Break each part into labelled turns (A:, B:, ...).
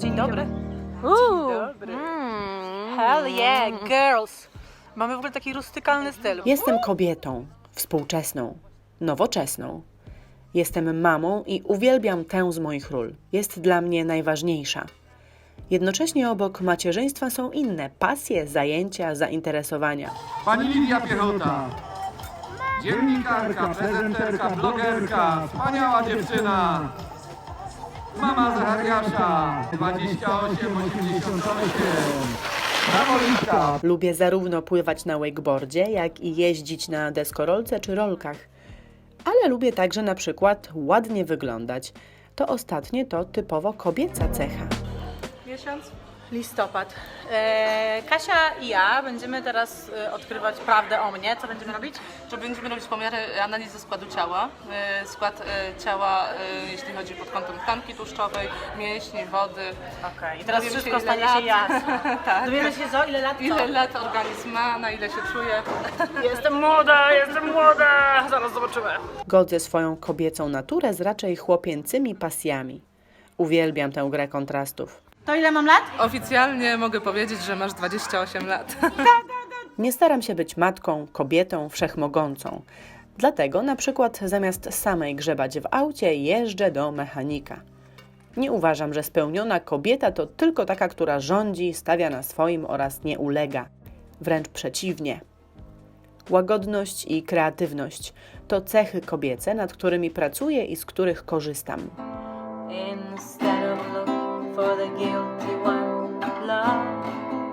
A: Dzień dobry.
B: Dzień
A: dobry. Hell yeah, girls. Mamy w ogóle taki rustykalny styl.
B: Jestem kobietą, współczesną, nowoczesną. Jestem mamą i uwielbiam tę z moich ról. Jest dla mnie najważniejsza. Jednocześnie obok macierzyństwa są inne pasje, zajęcia, zainteresowania.
C: Pani Lidia Piechota. Dziennikarka, prezenterka, blogerka, wspaniała dziewczyna. Mama Zachariasza, 2888. Brawo Litka.
B: Lubię zarówno pływać na wakeboardzie, jak i jeździć na deskorolce czy rolkach. Ale lubię także na przykład ładnie wyglądać. To ostatnie to typowo kobieca cecha.
A: Miesiąc? Listopad. Kasia i ja będziemy teraz odkrywać prawdę o mnie. Co będziemy robić?
D: Że będziemy robić pomiary analizy składu ciała. Skład ciała, jeśli chodzi pod kątem tkanki tłuszczowej, mięśni, wody.
A: Okej, i teraz
D: Dowiemy
A: wszystko
D: się, ile
A: stanie się
D: lat.
A: jasne.
D: Tak.
A: Dowiemy się ile lat co?
D: Ile lat organizm ma, na ile się czuje.
A: Jestem młoda, zaraz zobaczymy.
B: Godzę swoją kobiecą naturę z raczej chłopięcymi pasjami. Uwielbiam tę grę kontrastów.
A: To ile mam lat?
D: Oficjalnie mogę powiedzieć, że masz 28 lat.
B: Nie staram się być matką, kobietą wszechmogącą. Dlatego na przykład zamiast samej grzebać w aucie, jeżdżę do mechanika. Nie uważam, że spełniona kobieta to tylko taka, która rządzi, stawia na swoim oraz nie ulega. Wręcz przeciwnie. Łagodność i kreatywność to cechy kobiece, nad którymi pracuję i z których korzystam.
E: Instead of looking for the guilty one, love.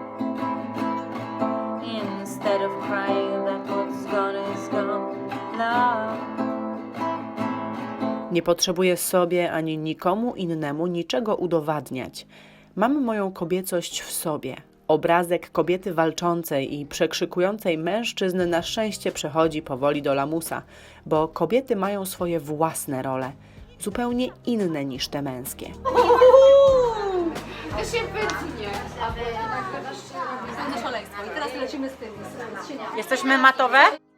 E: Instead of crying that what's gone is gone, love.
B: Nie potrzebuję sobie ani nikomu innemu niczego udowadniać. Mam moją kobiecość w sobie. Obrazek kobiety walczącej i przekrzykującej mężczyzn na szczęście przechodzi powoli do lamusa, bo kobiety mają swoje własne role, zupełnie inne niż te męskie.
F: To się wytnie. To szaleństwo. I teraz lecimy z tym.
A: Jesteśmy matowe?